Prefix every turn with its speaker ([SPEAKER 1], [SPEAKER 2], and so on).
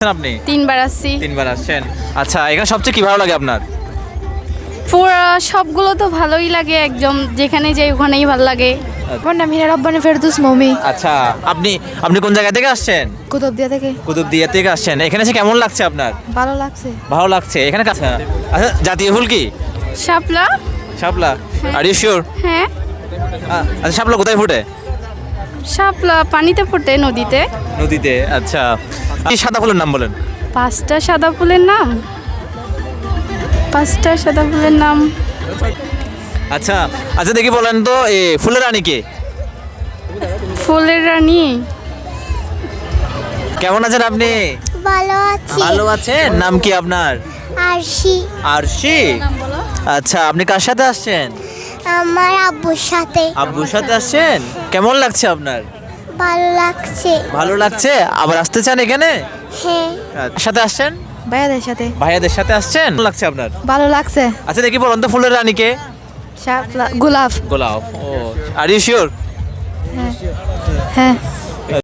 [SPEAKER 1] আপনি
[SPEAKER 2] তিনবার আসছি।
[SPEAKER 1] তিনবার আসছেন। আচ্ছা, এখানে সবচেয়ে কি ভালো লাগে আপনার?
[SPEAKER 2] পুরো সবগুলো তো ভালোই লাগে, একদম যেখানে যাই ওখানেই ভালো লাগে।
[SPEAKER 3] আমার নাম হিনা রব্বানি ফেরদৌস মৌমি,
[SPEAKER 1] আচ্ছা, আপনি আপনি কোন জায়গা থেকে আসছেন?
[SPEAKER 3] কুতুবদিয়া থেকে।
[SPEAKER 1] কুতুবদিয়া থেকে আসছেন। এখানে এসে কেমন লাগছে আপনার?
[SPEAKER 3] ভালো লাগছে।
[SPEAKER 1] ভালো লাগছে। এখানে কাছে আচ্ছা, জাতীয় ফুল কি?
[SPEAKER 2] শাপলা।
[SPEAKER 1] শাপলা। আর ইউ শিওর?
[SPEAKER 2] হ্যাঁ,
[SPEAKER 1] আচ্ছা, শাপলা কোথায় ফোটে?
[SPEAKER 2] শাপলা পানিতে ফোটে, নদীতে।
[SPEAKER 1] নদীতে। আচ্ছা, এই সাদা ফুলের নাম বলেন।
[SPEAKER 2] পাঁচটা সাদা ফুলের নাম, পাঁচটা সাদা ফুলের নাম।
[SPEAKER 1] আচ্ছা আচ্ছা, দেখি বলেন তো এই ফুলের রানী কে?
[SPEAKER 2] ফুলের রানী।
[SPEAKER 1] কেমন আছেন আপনি?
[SPEAKER 4] ভালো আছি।
[SPEAKER 1] ভালো আছেন। নাম কি আপনার?
[SPEAKER 4] আরশি।
[SPEAKER 1] আরশি। আচ্ছা, আপনি কার সাথে আসছেন?
[SPEAKER 4] আমার আব্বুর সাথে।
[SPEAKER 1] আব্বুর সাথে আসছেন। কেমন লাগছে আপনার?
[SPEAKER 4] ভালো লাগছে।
[SPEAKER 1] ভালো লাগছে। আবার আসতে চান এখানে?
[SPEAKER 4] হ্যাঁ।
[SPEAKER 1] কার সাথে আসছেন?
[SPEAKER 3] ভাইয়াদের সাথে।
[SPEAKER 1] ভাইয়াদের সাথে আসছেন। কেমন লাগছে আপনার?
[SPEAKER 3] ভালো লাগছে।
[SPEAKER 1] আচ্ছা, দেখি বলেন তো ফুলের রানী কে?
[SPEAKER 3] শাপলা, গোলাপ।
[SPEAKER 1] গোলাপ। ও, আর ইউ শিওর?
[SPEAKER 3] হ্যাঁ।